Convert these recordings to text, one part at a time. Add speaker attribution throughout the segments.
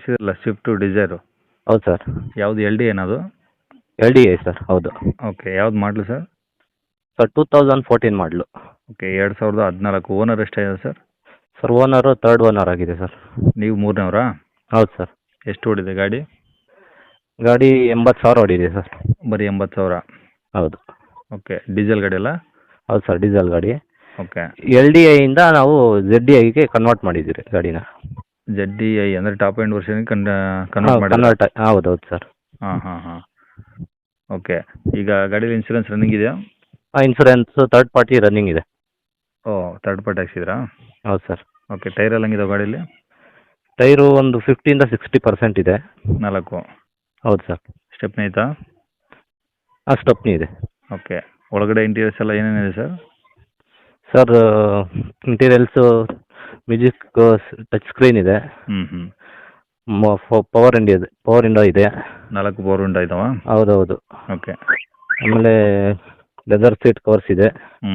Speaker 1: ಕಳಿಸಿದ್ರಲ್ಲ Swift Dzire,
Speaker 2: ಹೌದು sir.
Speaker 1: ಯಾವುದು L D ಏನದು?
Speaker 2: LDI ಸರ್, ಹೌದು.
Speaker 1: ಓಕೆ, ಯಾವ್ದು model sir?
Speaker 2: Sir 2014 model.
Speaker 1: Okay, 2014. Owner ಎಷ್ಟಾಗಿದೆ sir?
Speaker 2: Sir owner third owner ಆಗಿದೆ ಸರ್.
Speaker 1: ನೀವು ಮೂರನೇವರಾ?
Speaker 2: ಹೌದು ಸರ್.
Speaker 1: ಎಷ್ಟು ಓಡಿದೆ ಗಾಡಿ?
Speaker 2: ಗಾಡಿ 80,000 ಓಡಿದೆ ಸರ್.
Speaker 1: ಬರೀ 80,000?
Speaker 2: ಹೌದು.
Speaker 1: ಓಕೆ, ಡೀಸೆಲ್ ಗಾಡಿ ಅಲ್ಲ?
Speaker 2: ಹೌದು ಸರ್, ಡೀಸೆಲ್ ಗಾಡಿ.
Speaker 1: ಓಕೆ.
Speaker 2: LDIಯಿಂದ ನಾವು ZDIಗೆ ಕನ್ವರ್ಟ್ ಮಾಡಿದ್ದೀರಿ ಗಾಡಿನ.
Speaker 1: ZDI ಅಂದರೆ ಟಾಪ್ ಎಂಡ್ ವರ್ಷನ್ ಕನ್ವರ್ಟ್ ಮಾಡಿ?
Speaker 2: ಕನ್ವರ್ಟ್, ಹೌದು ಸರ್.
Speaker 1: ಹಾಂ. ಓಕೆ, ಈಗ ಗಾಡೀಲಿ ಇನ್ಶೂರೆನ್ಸ್ ರನ್ನಿಂಗ್ ಇದೆಯಾ?
Speaker 2: ಇನ್ಸೂರೆನ್ಸ್ ಥರ್ಡ್ ಪಾರ್ಟಿ ರನ್ನಿಂಗ್ ಇದೆ.
Speaker 1: ಓ, ಥರ್ಡ್ ಪಾರ್ಟಿ ಹಾಕ್ಸಿದ್ರಾ?
Speaker 2: ಹೌದು ಸರ್.
Speaker 1: ಓಕೆ, ಟೈರ್ ಎಲ್ಲ ಹಂಗಿದಾವೆ ಗಾಡೀಲಿ?
Speaker 2: ಟೈರು ಒಂದು 50-60% ಇದೆ.
Speaker 1: 4?
Speaker 2: ಹೌದು ಸರ್.
Speaker 1: ಸ್ಟೆಪ್ನಿ ಆಯಿತಾ?
Speaker 2: ಸ್ಟೆಪ್ನಿ ಇದೆ.
Speaker 1: ಓಕೆ, ಒಳಗಡೆ ಇಂಟೀರಿಯರ್ಸ್ ಎಲ್ಲ ಏನೇನಿದೆ sir?
Speaker 2: Sir interiors music touch screen ಇದೆ. ಪವರ್ ವಿಂಡೋ ಇದೆ.
Speaker 1: 4 ಪವರ್ ವಿಂಡೋ ಇದಾವಾ?
Speaker 2: ಹೌದೌದು.
Speaker 1: ಓಕೆ.
Speaker 2: ಆಮೇಲೆ ಲೆದರ್ ಸೀಟ್ ಕವರ್ಸ್ ಇದೆ.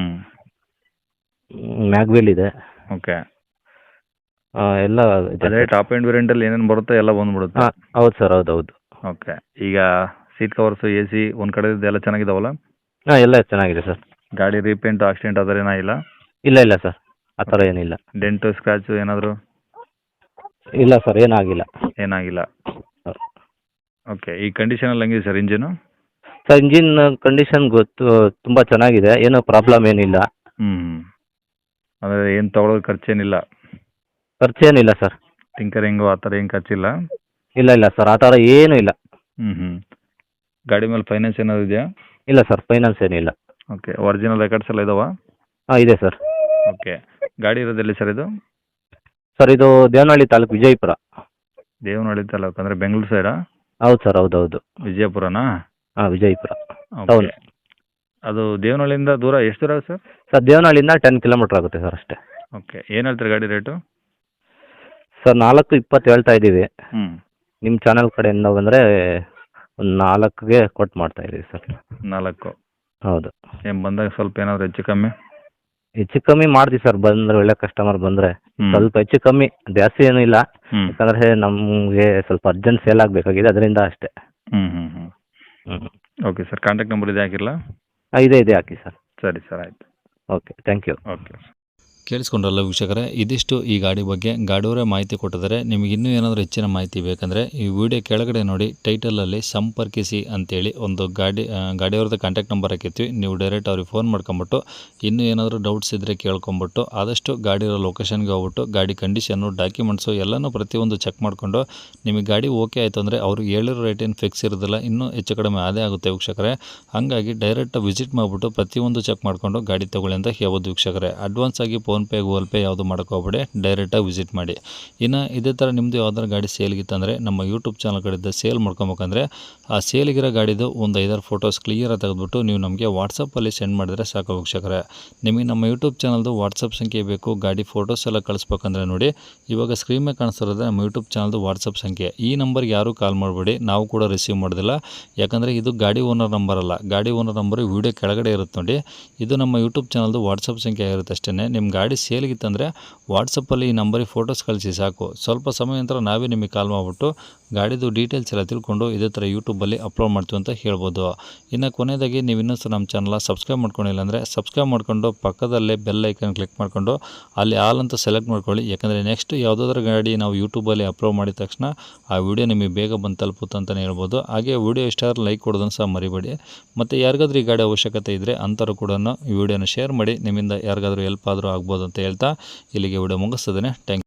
Speaker 2: ಮ್ಯಾಗ್ವಿಲ್ ಇದೆ.
Speaker 1: ಓಕೆ.
Speaker 2: ಎಲ್ಲ
Speaker 1: ಅದೇ ಟಾಪ್ ಎಂಡ್ ವೇರಿಯಂಟಲ್ಲಿ ಏನೇನು ಬರುತ್ತೋ ಎಲ್ಲ ಬಂದ್ಬಿಡುತ್ತೆ?
Speaker 2: ಹೌದು ಸರ್, ಹೌದೌದು.
Speaker 1: ಓಕೆ, ಈಗ ಸೀಟ್ ಕವರ್ಸು, AC ಒಂದು ಕಡೆ ಎಲ್ಲ ಚೆನ್ನಾಗಿದಾವಲ್ಲ?
Speaker 2: ಎಲ್ಲ ಚೆನ್ನಾಗಿದೆ ಸರ್.
Speaker 1: ಗಾಡಿ ರೀಪೇಂಟು, ಆಕ್ಸಿಡೆಂಟ್ ಆ ಥರ ಏನಾಗಿಲ್ಲ?
Speaker 2: ಇಲ್ಲ ಸರ್, ಆ ಥರ ಏನಿಲ್ಲ.
Speaker 1: ಡೆಂಟು, ಸ್ಕ್ರ್ಯಾಚು ಏನಾದರೂ?
Speaker 2: ಇಲ್ಲ ಸರ್, ಏನಾಗಿಲ್ಲ.
Speaker 1: ಓಕೆ, ಈ ಕಂಡೀಷನಲ್ಲಿ ಹೆಂಗಿದೆ sir engine?
Speaker 2: Sir engine condition ತುಂಬ ಚೆನ್ನಾಗಿದೆ, ಏನೂ ಪ್ರಾಬ್ಲಮ್ ಏನಿಲ್ಲ.
Speaker 1: ಅಂದರೆ ಏನು ತೊಗೊಳೋದು ಖರ್ಚೇನಿಲ್ಲ?
Speaker 2: ಖರ್ಚೇನಿಲ್ಲ ಸರ್.
Speaker 1: ಟಿಂಕರಿಂಗು ಆ ಥರ ಏನು ಖರ್ಚಿಲ್ಲ?
Speaker 2: ಇಲ್ಲ ಸರ್, ಆ ಥರ ಏನೂ ಇಲ್ಲ.
Speaker 1: ಗಾಡಿ ಮೇಲೆ ಫೈನಾನ್ಸ್ ಏನಾದ್ರು ಇದೆಯಾ?
Speaker 2: ಇಲ್ಲ ಸರ್, ಫೈನಾನ್ಸ್ ಏನಿಲ್ಲ.
Speaker 1: ಓಕೆ, ಒರಿಜಿನಲ್ ರೆಕಾರ್ಡ್ಸ್ ಎಲ್ಲ ಇದಾವಾ?
Speaker 2: ಇದೆ ಸರ್.
Speaker 1: ಓಕೆ, ಗಾಡಿ ಇರೋದೆಲ್ಲಿ ಸರ್ ಇದು?
Speaker 2: ಸರ್ ಇದು ದೇವನಹಳ್ಳಿ ತಾಲೂಕು, ವಿಜಯಪುರ.
Speaker 1: ದೇವನಹಳ್ಳಿ ತಾಲೂಕು ಅಂದರೆ ಬೆಂಗಳೂರು ಸೈಡಾ?
Speaker 2: ಹೌದು ಸರ್, ಹೌದೌದು.
Speaker 1: ವಿಜಯಪುರನಾ?
Speaker 2: ವಿಜಯಪುರ
Speaker 1: ಓಕೆ.
Speaker 2: ಟೌನ್.
Speaker 1: ಅದು ದೇವನಹಳ್ಳಿಯಿಂದ ದೂರ ಎಷ್ಟು ದೂರ ಸರ್?
Speaker 2: ಸರ್ ದೇವನಹಳ್ಳಿಯಿಂದ 10 ಕಿಲೋಮೀಟ್ರ್ ಆಗುತ್ತೆ ಸರ್ ಅಷ್ಟೇ.
Speaker 1: ಓಕೆ, ಏನು ಹೇಳ್ತೀರಿ ಗಾಡಿ ರೇಟು?
Speaker 2: ಸರ್ 4.20 ಹೇಳ್ತಾ ಇದ್ದೀವಿ. ನಿಮ್ಮ ಚಾನಲ್ ಕಡೆಯಿಂದ ಬಂದರೆ ಒಂದು 4ಗೆ ಕೊಟ್ಟು ಮಾಡ್ತಾ ಇದ್ದೀವಿ ಸರ್.
Speaker 1: 4?
Speaker 2: ಹೌದು.
Speaker 1: ಏನು ಬಂದಾಗ ಸ್ವಲ್ಪ ಏನಾದರೂ ಹೆಚ್ಚು ಕಮ್ಮಿ?
Speaker 2: ಹೆಚ್ಚು ಕಮ್ಮಿ ಮಾಡ್ತೀವಿ ಸರ್, ಬಂದರೆ ಒಳ್ಳೆ ಕಸ್ಟಮರ್ ಬಂದರೆ ಸ್ವಲ್ಪ ಹೆಚ್ಚು ಕಮ್ಮಿ, ಜಾಸ್ತಿ ಏನೂ ಇಲ್ಲ. ಯಾಕಂದರೆ ನಮಗೆ ಸ್ವಲ್ಪ ಅರ್ಜೆಂಟ್ ಸೇಲ್ ಆಗಬೇಕಾಗಿದೆ, ಅದರಿಂದ ಅಷ್ಟೇ.
Speaker 1: ಓಕೆ ಸರ್, ಕಾಂಟ್ಯಾಕ್ಟ್ ನಂಬರ್ ಇದೆ ಹಾಕಿರಲ್ಲ?
Speaker 2: ಇದೆ ಹಾಕಿ ಸರ್.
Speaker 1: ಸರಿ ಸರ್, ಆಯಿತು.
Speaker 2: Okay, thank you.
Speaker 1: ಓಕೆ.
Speaker 3: ಕೇಳಿಸ್ಕೊಂಡ್ರಲ್ಲ ವೀಕ್ಷಕರೇ, ಇದಿಷ್ಟು ಈ ಗಾಡಿ ಬಗ್ಗೆ ಗಾಡಿಯವರೇ ಮಾಹಿತಿ ಕೊಟ್ಟಿದ್ದಾರೆ. ನಿಮಗೆ ಇನ್ನೂ ಏನಾದರೂ ಹೆಚ್ಚಿನ ಮಾಹಿತಿ ಬೇಕಂದರೆ ಈ ವಿಡಿಯೋ ಕೆಳಗಡೆ ನೋಡಿ, ಟೈಟಲಲ್ಲಿ ಸಂಪರ್ಕಿಸಿ ಅಂತೇಳಿ ಒಂದು ಗಾಡಿಯವ್ರದ್ದು ಕಾಂಟ್ಯಾಕ್ಟ್ ನಂಬರ್ ಹಾಕಿರ್ತೀವಿ. ನೀವು ಡೈರೆಕ್ಟ್ ಅವ್ರಿಗೆ ಫೋನ್ ಮಾಡ್ಕೊಂಬಿಟ್ಟು ಇನ್ನೂ ಏನಾದರೂ ಡೌಟ್ಸ್ ಇದ್ದರೆ ಕೇಳ್ಕೊಂಬಿಟ್ಟು ಆದಷ್ಟು ಗಾಡಿಯೋ ಲೊಕೇಶನ್ಗೆ ಹೋಗ್ಬಿಟ್ಟು ಗಾಡಿ ಕಂಡೀಷನ್ನು, ಡಾಕ್ಯುಮೆಂಟ್ಸು ಎಲ್ಲನೂ ಪ್ರತಿಯೊಂದು ಚೆಕ್ ಮಾಡಿಕೊಂಡು ನಿಮಗೆ ಗಾಡಿ ಓಕೆ ಆಯಿತು ಅಂದರೆ ಅವರು ಹೇಳಿರೋ ರೇಟ್ ಏನು ಫಿಕ್ಸ್ ಇರೋದಿಲ್ಲ, ಇನ್ನೂ ಹೆಚ್ಚು ಕಡಿಮೆ ಅದೇ ಆಗುತ್ತೆ ವೀಕ್ಷಕರೇ. ಹಾಗಾಗಿ ಡೈರೆಕ್ಟ್ ವಿಸಿಟ್ ಮಾಡಿಬಿಟ್ಟು ಪ್ರತಿಯೊಂದು ಚೆಕ್ ಮಾಡಿಕೊಂಡು ಗಾಡಿ ತೊಗೊಳ್ಳಿ ಅಂತ ಹೇಳ್ಬೋದು ವೀಕ್ಷಕರೇ. ಅಡ್ವಾನ್ಸ್ ಆಗಿ ಫೋನ್ಪೇ, ಗೂಗಲ್ ಪೇ ಯಾವುದು ಮಾಡೋಕ್ಕೋಗ್ಬೇಡಿ, ಡೈರೆಕ್ಟಾಗಿ ವಿಸಿಟ್ ಮಾಡಿ. ಇನ್ನು ಇದೇ ಥರ ನಿಮ್ಮದು ಯಾವ್ದಾರು ಗಾಡಿ ಸೇಲ್ಗಿತ್ತಂದರೆ ನಮ್ಮ ಯೂಟ್ಯೂಬ್ ಚಾನಲ್ ಕಡೆಯಿಂದ ಸೇಲ್ ಮಾಡ್ಕೊಬೇಕಂದ್ರೆ ಆ ಸೇಲಿಗಿರೋ ಗಾಡಿದು ಒಂದು 5-6 ಫೋಟೋಸ್ ಕ್ಲಿಯರಾಗಿ ತೆಗೆದುಬಿಟ್ಟು ನೀವು ನಮಗೆ ವಾಟ್ಸಪ್ಪಲ್ಲಿ ಸೆಂಡ್ ಮಾಡಿದರೆ ಸಾಕು ವೀಕ್ಷಕರೇ. ನಿಮಗೆ ನಮ್ಮ ಯೂಟ್ಯೂಬ್ ಚಾನಲ್ದು ವಾಟ್ಸಪ್ ಸಂಖ್ಯೆ ಬೇಕು, ಗಾಡಿ ಫೋಟೋಸ್ ಎಲ್ಲ ಕಳಿಸ್ಬೇಕಂದ್ರೆ ನೋಡಿ, ಇವಾಗ ಸ್ಕ್ರೀನ್ ಮೇಲೆ ಕಾಣಿಸ್ತಿರೋದು ನಮ್ಮ ಯೂಟ್ಯೂಬ್ ಚಾನಲ್ದು ವಾಟ್ಸಪ್ ಸಂಖ್ಯೆ. ಈ ನಂಬರ್ಗೆ ಯಾರೂ ಕಾಲ್ ಮಾಡಬೇಡಿ, ನಾವು ಕೂಡ ರಿಸೀವ್ ಮಾಡೋದಿಲ್ಲ. ಯಾಕಂದರೆ ಇದು ಗಾಡಿ ಓನರ್ ನಂಬರ್ ಅಲ್ಲ, ಗಾಡಿ ಓನರ್ ನಂಬರು ವಿಡಿಯೋ ಕೆಳಗಡೆ ಇರುತ್ತೆ ನೋಡಿ. ಇದು ನಮ್ಮ ಯೂಟ್ಯೂಬ್ ಚಾನಲ್ದು ವಾಟ್ಸಪ್ ಸಂಖ್ಯೆ ಇರುತ್ತೆ ಅಷ್ಟೇ. ನಿಮ್ಮ ಗಾಡಿ ಸೇಲ್ಗಿತ್ತಂದರೆ ವಾಟ್ಸಪ್ಪಲ್ಲಿ ಈ ನಂಬರಿಗೆ ಫೋಟೋಸ್ ಕಳಿಸಿ ಸಾಕು. ಸ್ವಲ್ಪ ಸಮಯ ನಂತರ ನಾವೇ ನಿಮಗೆ ಕಾಲ್ ಮಾಡಿಬಿಟ್ಟು ಗಾಡಿದು ಡೀಟೇಲ್ಸ್ ಎಲ್ಲ ತಿಳ್ಕೊಂಡು ಇದೇ ಥರ ಯೂಟ್ಯೂಬಲ್ಲಿ ಅಪ್ಲೋಡ್ ಮಾಡ್ತೀವಿ ಅಂತ ಹೇಳ್ಬೋದು. ಇನ್ನು ಕೊನೆಯದಾಗಿ ನೀವು ಇನ್ನೂ ಸಹ ನಮ್ಮ ಚಾನಲ್ನ ಸಬ್ಸ್ಕ್ರೈಬ್ ಮಾಡ್ಕೊಂಡಿಲ್ಲ ಅಂದರೆ ಸಬ್ಸ್ಕ್ರೈಬ್ ಮಾಡಿಕೊಂಡು ಪಕ್ಕದಲ್ಲೇ ಬೆಲ್ ಐಕನ್ ಕ್ಲಿಕ್ ಮಾಡಿಕೊಂಡು ಅಲ್ಲಿ ಆಲ್ ಅಂತ ಸೆಲೆಕ್ಟ್ ಮಾಡ್ಕೊಳ್ಳಿ. ಯಾಕಂದರೆ ನೆಕ್ಸ್ಟ್ ಯಾವುದಾದ್ರೂ ಗಾಡಿ ನಾವು ಯೂಟ್ಯೂಬಲ್ಲಿ ಅಪ್ಲೋಡ್ ಮಾಡಿದ ತಕ್ಷಣ ಆ ವಿಡಿಯೋ ನಿಮಗೆ ಬೇಗ ಬಂದು ತಲುಪುತ್ತೆ ಅಂತಲೇ ಹೇಳ್ಬೋದು. ಹಾಗೆ ವಿಡಿಯೋ ಇಷ್ಟಾದ್ರೂ ಲೈಕ್ ಕೊಡೋದನ್ನು ಸಹ ಮರಿಬೇಡಿ. ಮತ್ತು ಯಾರಿಗಾದ್ರೂ ಈ ಗಾಡಿ ಅವಶ್ಯಕತೆ ಇದ್ದರೆ ಅಂಥವ್ರು ಕೂಡ ಈ ವಿಡಿಯೋನ ಶೇರ್ ಮಾಡಿ, ನಿಮ್ಮಿಂದ ಯಾರಿಗಾದ್ರೂ ಹೆಲ್ಪ್ ಆದರೂ ಆಗ್ಬೋದು ಅಂತ ಹೇಳ್ತಾ ಇಲ್ಲಿಗೆ ವಿಡಿಯೋ ಮುಗಿಸ್ತದೆ. Thank you.